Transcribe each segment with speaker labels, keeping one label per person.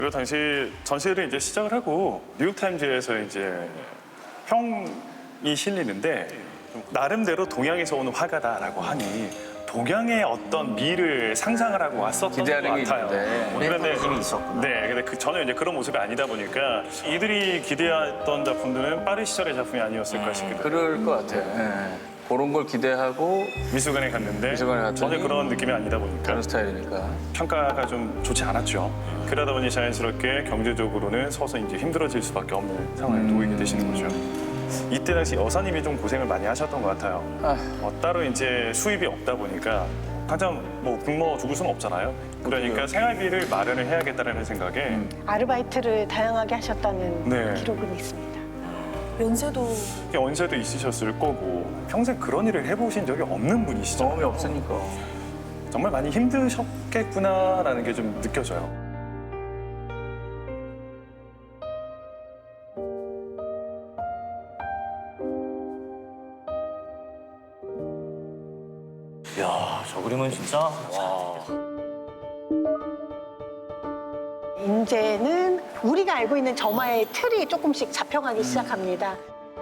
Speaker 1: 그리고 당시 전시를 이제 시작을 하고 뉴욕타임즈에서 이제 평이 실리는데 나름대로 동양에서 오는 화가다라고 하니 동양의 어떤 미를 상상을 하고 왔었던 것
Speaker 2: 기대하는 게
Speaker 1: 같아요.
Speaker 2: 있는데.
Speaker 1: 그런데
Speaker 3: 힘이 있었구나.
Speaker 1: 네, 근데 전혀 이제 그런 모습이 아니다 보니까 이들이 기대했던 작품들은 빠른 시절의 작품이 아니었을까 싶기도 해요.
Speaker 2: 그럴 것 같아요. 예. 그런 걸 기대하고
Speaker 1: 미술관에 갔는데
Speaker 2: 미술관에 갔더니
Speaker 1: 전혀 그런 느낌이 아니다 보니까
Speaker 2: 다른 스타일이니까.
Speaker 1: 평가가 좀 좋지 않았죠. 그러다 보니 자연스럽게 경제적으로는 서서히 이제 힘들어질 수밖에 없는 상황에 놓이게 되시는 거죠. 이때 당시 여사님이 좀 고생을 많이 하셨던 것 같아요. 따로 이제 수입이 없다 보니까 당장 뭐 굶어 죽을 수는 없잖아요. 그러니까 생활비를 마련을 해야겠다는 생각에
Speaker 4: 아르바이트를 다양하게 하셨다는
Speaker 1: 네.
Speaker 4: 기록은 있습니다.
Speaker 5: 연세도
Speaker 1: 연세도 있으셨을 거고 평생 그런 일을 해보신 적이 없는 분이시죠.
Speaker 2: 경험이 없으니까.
Speaker 1: 정말 많이 힘드셨겠구나라는 게 좀 느껴져요.
Speaker 3: 이야, 저 그림은 진짜 와.
Speaker 4: 이제는 우리가 알고 있는 점화의 틀이 조금씩 잡혀가기 시작합니다.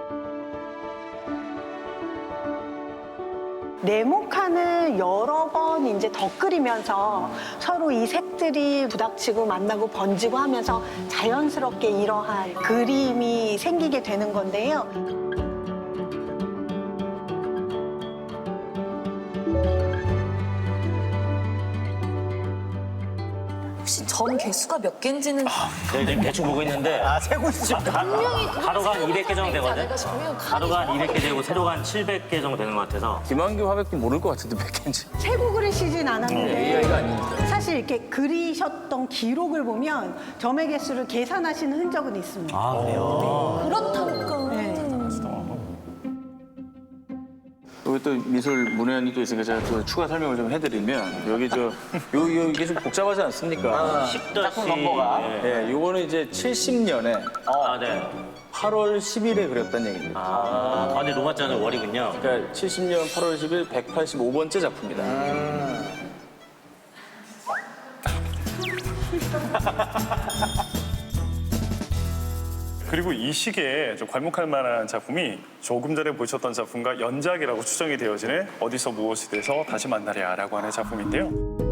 Speaker 4: 네모칸을 여러 번 이제 덧그리면서 서로 이 색들이 부닥치고 만나고 번지고 하면서 자연스럽게 이러한 그림이 생기게 되는 건데요.
Speaker 5: 혹시 점 개수가 몇 개인지는
Speaker 3: 내가 지금 대충 보고 있는데
Speaker 6: 세고 있으면
Speaker 3: 가로가 한 200개 정도 되거든?
Speaker 5: 싶으면
Speaker 3: 가로가 한 200개 되고 세로가 한 700개 정도 되는 것 같아서
Speaker 2: 김한규 화백도 모를 것 같은데 몇 개인지.
Speaker 4: 세고 그리시진 않았는데
Speaker 2: AI가 아니니까.
Speaker 4: 사실 이렇게 그리셨던 기록을 보면 점의 개수를 계산하시는 흔적은 있습니다.
Speaker 3: 아, 그래요?
Speaker 5: 그렇다니까.
Speaker 4: 네.
Speaker 2: 여기 또 미술 문외한이 또 있으니까 제가 또 추가 설명을 좀 해드리면 여기 이게 좀 복잡하지 않습니까?
Speaker 3: 10-.
Speaker 2: 예, 요거는 이제 70년에
Speaker 3: 아, 네.
Speaker 2: 8월 10일에 그렸다는 얘기입니다.
Speaker 3: 아, 가운데 로마자는 월이군요.
Speaker 2: 그러니까 70년 8월 10일 185번째 작품입니다.
Speaker 1: 그리고 이 시기에 좀 괄목할 만한 작품이 조금 전에 보셨던 작품과 연작이라고 추정이 되어지는 어디서 무엇이 돼서 다시 만나랴라고 하는 작품인데요.